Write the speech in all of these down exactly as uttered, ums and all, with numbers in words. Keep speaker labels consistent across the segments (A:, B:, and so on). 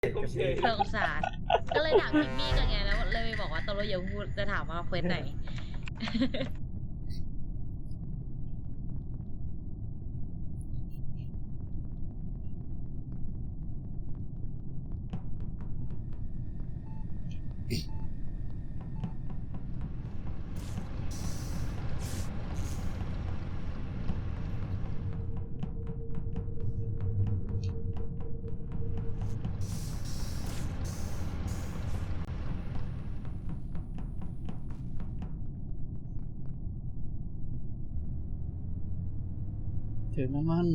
A: ผมเฉย
B: สงสารก็เลยถามคิมมี่กันไงแล้วเลยบอกว่าตกลงอย่าพูดจะถามว่าเควสไหน
C: เจอน้ำมัน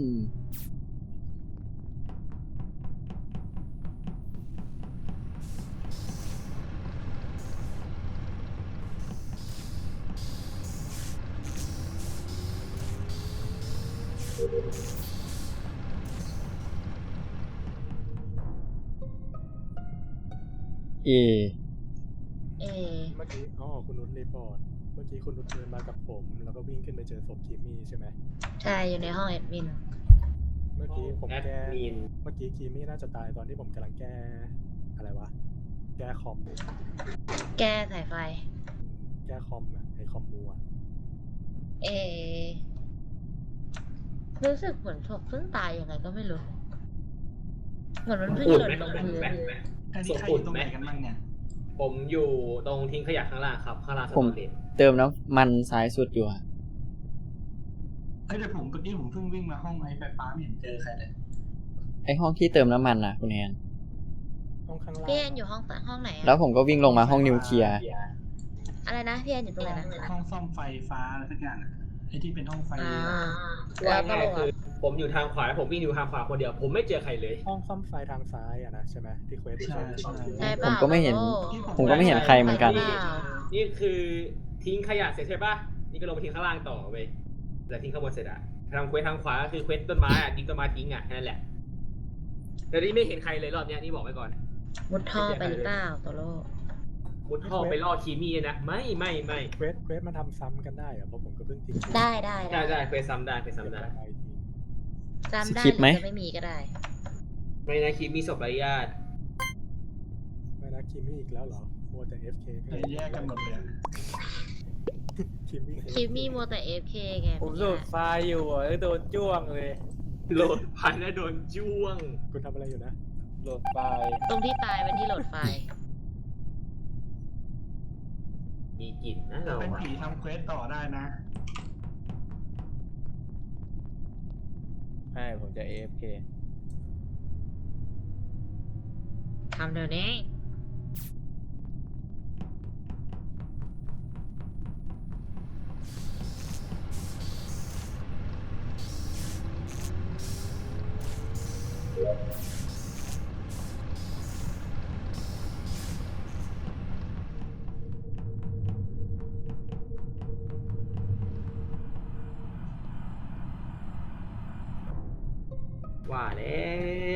C: เอ
B: เอ
A: เมื่อกี้อ๋อคุณนุชรีพอร์ตเมื่อกี้คุณนุชเดินมากับผม แล้วก็วิ่งขึ้นไปเจอศพคิมมี่ใช่ไหม
B: ใช่อยู่ในห้องแอดมิน
A: เมื่อกี้ผม
D: แอด
A: แก้
D: มิน
A: เมื่อกี้คิมมี่น่าจะตายตอนที่ผมกำลังแก้อะไรวะแก้คอมอืม
B: แก้สายไฟ
A: แก้คอมอะไอคอมมูอะ
B: เอ รู้สึกเหมือนศพเพิ่งตายยังไงก็ไม่รู้ เหมือนมันเพิ่งหล่นลงพื้น
D: แม็กแม็ก
E: อันนี้ใครอยู่ตรงไหนกันบ้างเนี่ย
D: ผมอยู่ตรงทิ้งขยะข้างล่างครับข้างล่างส
C: ผม
D: ตอเรจ
C: เติมน้ำมันซ้ายสุดอยู่อะ
E: เฮ้ยแต่ผมเมื่อกี้ผมเพิ่งวิ่งมาห้องไอไฟฟ้าไม่เห็นเจอใครเลย
C: ไอห้องที่เติมน้ำมันนะคุณแอน
A: ห้องข้างล่าง
B: พี่แอนอยู่ห้องห้องไหนอะ
C: แล้วผมก็วิ่งลงมาห้องนิวเคลียร์
B: อะไรนะพี่แอนอยู่ตรงไหนนะ
E: ห้องซ่อมไฟฟ้าอะไรสักอย่างอะไอที่เป็นห้องไฟ
B: อ่า
D: ว่า
B: แล้วก็
D: ง่าย
B: ลง
D: คือ
B: อะ
D: ผมอยู่ทางขวาแล้วผมวิ่งอยู่ทางขวาคนเดียว ผมไม่เจอใครเลย
A: ห้องซ่อมไฟทางซ้ายอะนะใช่ไหมที่เควสที่
E: ใช่
A: ใช้
E: ใช่
B: ใช่เป
C: ผม
B: ล่า
C: ก็ไม่เห็น
B: โอ้
C: ผมก็ไม่เห็นใครเหมือนกัน
B: ใช่เปล่า
D: นี่คือทิ้งขยะเสร็จใช่ปะนี่ก็ลงไปทิ้งข้างล่างต่อเว้ยแล้วทิ้งข้างบนเสร็จอะทำเควสทางขวาก็คือเควสต้นไม้อะทิ้งต้นไม้ทิ้งอะแค่นั้นแหละแต่นี่ไม่เห็นใครเลยรอบเนี้ยนี่บอกไว้ก่อน
B: มุดท่อไปหรือเปล่าโตโร่
D: มุดท่อไปล่อคีมี่นะไม่ไม่ไม่
A: เควสเควสมันทำซ้ำกันได้เหรอเพราะผมก็เพิ่งทิ้ง
B: ได้ได้
D: ได้ได้เควสซ้ำได้เควสซ้ำได้
A: ไอที
B: จำได้
C: สคริปต์ไหม
B: รือจะไม่มีก็ได้
D: ไม่นะคีมี่ศพไร้ญาติ
A: ไม่นะคิมมี่อีกแล้วเหรอมัวแต่ เอฟ เค
E: เลยแยกกันหมดเลยอะ
A: คิมมี่
B: คิมมี่มัวแต่เอฟเคไง
F: ผมโหลดไฟล์อยู่อ่ะแล้วโดนจ้วงเลย
D: โหลดพันแล้วโดนจ้วง
A: คุณทำอะไรอยู่นะ
F: โหลดไฟล์
B: ตรงที่ตายเป็นที่โหลดไฟล์
D: มีกลิ่นนะ
E: ถ้า
D: เรา
E: เป็น
D: อะ
E: ผีทำเควสต่อได้นะ
F: ใช่ผมจะ เอ เอฟ เค
B: ทำเดี๋ยวนี้
D: ว่าแล้ว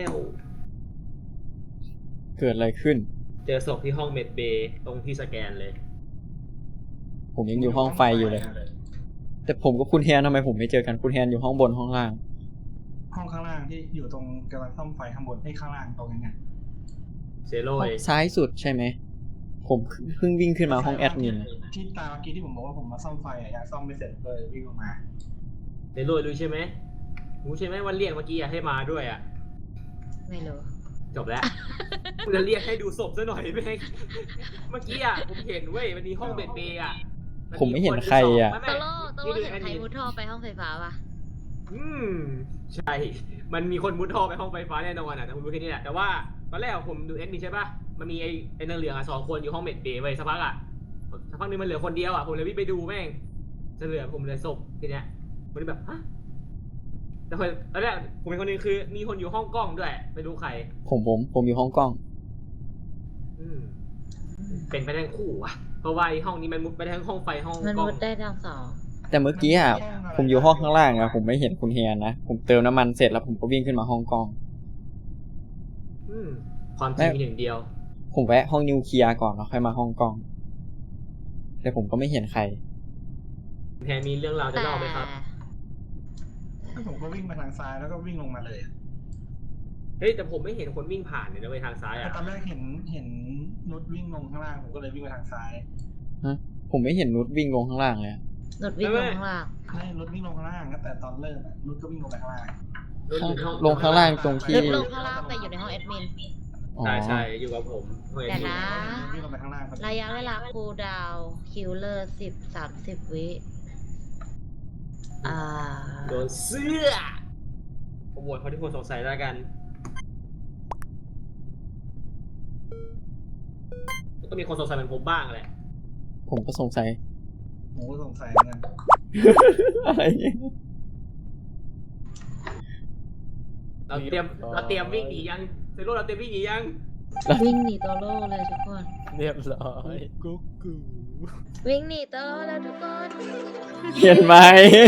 C: เกิดอะไรขึ้น
D: เจอศพที่ห้องเมดเบย์ตรงที่สแกนเลย
C: ผมยังอยู่ห้องไฟอยู่เลย แต่ผมกับคุณแฮนทำไมผมไม่เจอกันคุณแฮนอยู่ห้องบนห้องล่าง
E: ห้องข้างล่างที่อยู่ตรงกำลังซ่อมไฟข้างบนให้ข้างล่างตรงนั้นเนี่ย
D: เซโร่
C: ห้องซ้ายสุดใช่ไหม ผมเพิ่งวิ่งขึ้นมาห้องแอดมิน
E: ที่ตาเมื่อกี้ที่ผมบอกว่าผมมาซ่อมไฟอะยังซ่อมไม่เสร็จเลยวิ่งออกมา
D: เซโร่รู้ใช่ไหมรู้ใช่ไหมว่าเรียกเมื่อกี้อะให้มาด้วยอ่ะ
B: ไม่รู้
D: จบแล้ว กูจะเรียกให้ดูศพซะหน่อยแม่งเมื่อกี้อ่ะผมเห็นเว้ยมันมีห้องเมดเบย์อ่ะ
C: ผมไม่เห็นใครอะ
D: ไม่
B: โต
D: ไม่
B: โร่โต
D: นี่
B: โร่
D: ดู
B: เห็น
D: แอด
B: ใคร
D: มิน
B: มุดท่อไปห้องไฟฟ้าปะ
D: อืมใช่ มันมีคนมุดท่อไปห้องไฟฟ้าแน่นอนอ่ะแต่ผมรู้แค่นี้แหละแต่ว่าตอนแรกผมดูแอดมินใช่ปะมันมีไอ้ไอ้นางเหลืองอ่ะสองคนอยู่ห้องเมดเบย์ไว้ยสักพักอ่ะสักพักนึงมันเหลือคนเดียวอ่ะผมเลยวิ่งไปดูแม่งจะเหลือผมเหลือศพทีเนี้ยผมเลยแบบฮะแต่คนตอนแรกผมเป็นคนนึงคือ มีคนอยู่ห้องกล้องด้วยไม่รู้ใคร
C: ผมผมผมอยู่ห้องกล้อง
D: อืมเป็นไปได้ทั้งคู่อ่ะเพราะว่าไอ้ห้องนี้มันมุดไปทั้งห้องไฟห้อง
B: มัน
D: กล้อง
B: มุดได้ทั้งสอง
C: แต่เมื่อกี้อะผมอยู่ห้องข้างล่างอะผมไม่เห็นคุณแฮนนะ ผมเติมน้ำมันเสร็จแล้วผมก็วิ่งขึ้นมาห้องกล้อง
D: อืมความจริงมีหนึ่งเดียว
C: ผมแวะห้องนิวเคลียร์ก่อนแล้วค่อยมาห้องกล้อง แต่ผมก็ไม่เห็นใคร
D: แทนมีเรื่องราวจะ
B: แต่
D: เล่าไหมครับ
E: แล้วผมก็วิ่งมาทางซ้ายแล้วก็วิ่งลงมาเลยอะ
D: เฮ้ยแต่ผมไม่เห็นคนวิ่งผ่านเลยนะไปทางซ้าย
E: แต่
D: อ่ะ
E: ตอนแรกเห็นเห็นนุชวิ่งลงข้างล่างผมก็เลยวิ่งไปทางซ้าย
C: ผมไม่เห็นนุชวิ่งลงข้างล่างเลยอะ
B: หนดวิ่งลงข้างล่าง
E: ให้นุชวิ่งลงข้างล่างตั้งแต่ตอนเริ่มอะนุชก็วิ่งลงไปข้างล่าง
D: รถอยู่ในห้อง
C: ลงข้างล่างตรงที่
B: ลิฟต์ลงข้างล่างแต่อยู่ในห้องแอดมิน
C: อ๋อ
D: ใช่ใช่อยู่กับผมเฮ้ย
B: เดี๋ยวนะ
E: วิ่งลงไปข้างล่างพอดี
B: ระยะเวลาคูลดาวน์คิลเลอร์สิบสามสิบวิ อ่า
D: โดนเสื้อผมโหวตเขาที่คนสงสัยแล้วกันก็มีคนสงสัยเหมือนผมบ้างแหละ
C: ผมก็สงสัย
E: ผมก็สงสัยเหมือนกัน
C: อะไรเนี่ย
D: เราเตรียมเราเตรียมวิ่งหนียังเซโร่เราเตรียมวิ่งหนียัง
B: วิ่งหนีโตโร่เลยทุกคน
F: เรียบร้อย
A: กุ๊กกู
B: วิ่งหนีโตโร่แล้วทุกคน
C: เห็นไหม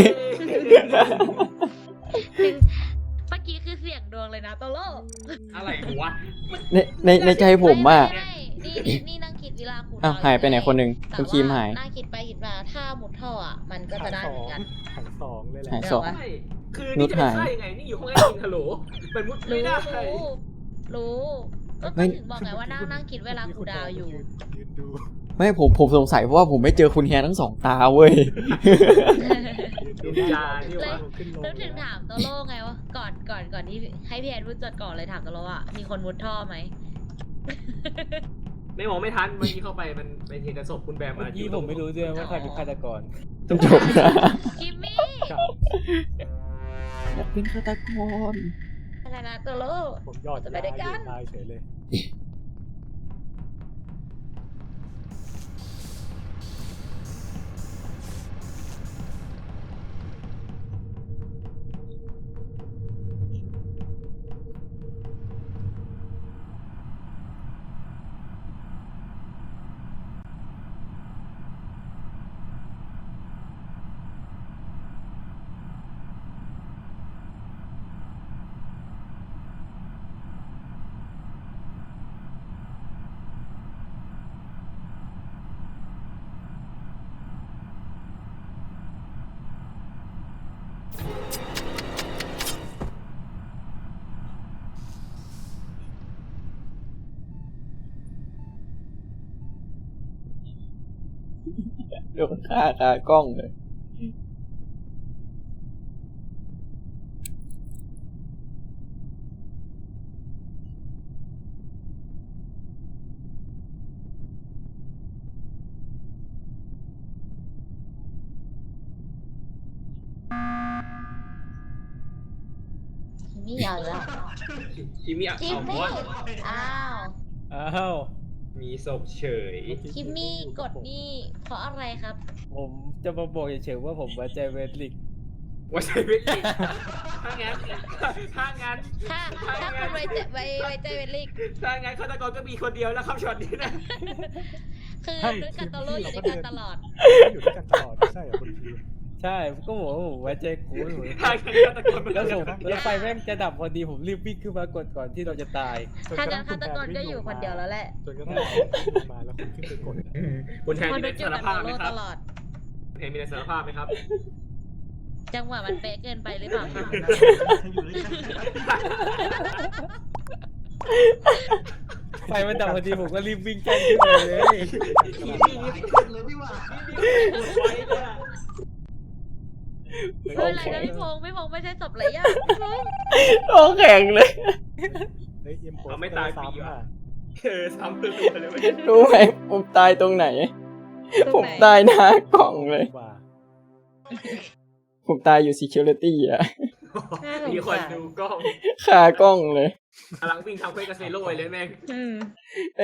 B: เมื่อกี้คือเสียงดวงเลยนะโตโร่
D: อะไรวะ
C: ในในในใจผมอะ
B: ไไม่นี่นี่นี่นั่งคิดเวลาคูลดาว
C: อ้าว
B: น์
C: หายไปไหนคนหนึ่ง
B: แต่
C: คุณครีมหาย
B: ว่นั่งคิดไปคิดมาถ้ามุดท่ออ่ะ มันก็จะได้
A: ส
B: เห
A: อ
B: มือน
A: ง
B: กัน
A: ถังสองเลยแหละ
C: หายสอง
D: ใช่คือนี่จะเป็นค่ายังไงนี่อยู่ห้องแอดมินฮัลโหลเป็นมุดไม่
B: รู้
D: ได้
B: รู้รู้ก็
C: ไม่
B: ถึงบอกไงว่านั่งนั่งคิดเวลาคูลดาวน์อยู่
A: ยืนดู
C: ไม่ผมผมสงสัยเพราะว่าผมไม่เจอคุณแฮนทั้งสองตาเว้ย
A: ยืน
D: ดู
A: ดู
D: จานี่วะ
A: ขึ้นลง
B: แล้วถึงถามโตโร่ไงว่าก่อนก่อนก่อนที่ให้พี่แอนพูดจดก่อนเลยถามโตโร่ว่ามีคนมุดท่อไหม
D: ไม่มองไม่ทันเมื่อกี้เข้าไปมันเป็นเห็นแต่ศพคุณแบม
F: เมื่
D: มา
F: อกี้ผมไม่รู้ด้วยว่าใครเป็นฆาตกร
C: ต้องจบนะ
B: คิมมี่
A: ครับ
C: อยากเป็นฆาตกร
B: อะไรนะโตโร่
A: ผมยอด
B: จะไปด้วยกัน
A: ตายเฉยเลย
C: โดนฆ่าคากล้องเลย
B: คิมมี่เอาอีกแล้ว
D: คิมมี่เอา
B: คิม
D: เอา
B: มี่
D: ว่า
B: อ้าว
F: อ้าว
D: มีศพเฉย
B: คิมมี่กดนี่เพราะอะไรครับ
F: ผมจะมาบอกเฉยๆว่าผมไว้ใจเวสลิก
D: ว่าใช่ไม่จริงถ้างั้นถ้างั้น
B: ถ้าถ้าคุณไว้ใจไว้ไว้ใจเวลลิก
D: ถ้างั้นฆาตกรก็มีคนเดียวแล้วครับช็อตนี้นะ
B: คือ
A: ใช่
B: นุ้ยกับโตโร่อยู่ด้วยกันตลอด
A: อยู่ด้วยกันตลอดไม่ใช่เหรอคุณพี
F: ใช่ก็บอกว่าผมไว้ใจคุณผม
D: ถ้างั้นฆาตกรมัน
F: แล้ว
D: ก็
F: ผมแล้วไฟแม่งจะดับพอดีผมรีบวิ่งขึ้นมากดก่อนที่เราจะตาย
A: จ
B: ถ้า
A: ระ
B: งั้
A: ทั่
B: นฆาตกรก็อยู่คนเดียวแล้วแหละ
A: จนกระทั่งคุณลงมาแล้วคุณขึ้นไปกด
D: คุณแทน
B: คน
D: มี
B: นุ้
D: ใน
B: ยอยู่
D: สาร
B: กับ
D: ภา
B: โต
D: พไหม
B: โร่
D: ครั
B: ต
D: บ
B: ลอด
D: คุณแทนมีในสารภาพไหมครับ
B: จังหวะมันเป๊ะเกินไปหรือเปล่าคะ
E: ให้อยู่ด้วยกัน
F: ไฟมันดับพอดีผมก็รีบวิ่งแจ้งขึ้นมาเลย
E: เลยพี่ว่า
D: ปวดไว้เลยอะ
B: ไม่เป็นไรนะพี่พงษ์พี่พงษ์ไม่ใช่ศพไรย่าพี่พงษ์
C: โอ้แข็งเลย
A: เฮ้ยเอ็มโพส
D: เขาไม่ตายฟรี
A: ซ้ำ
D: ว่ะ
A: อ่ะ
D: เออซ้ำตัวเลยเว้ย
C: รู้ไหมผมตายตรงไหน ผมตายหน้ากล่องเลย
A: กว่า
C: ผมตายอยู่ security อะ
D: มีคนดูกล้อง
C: คากล้องเลย
D: กำลังวิ่งทำเควสกับเซโร่เลยแม่ง
B: อืม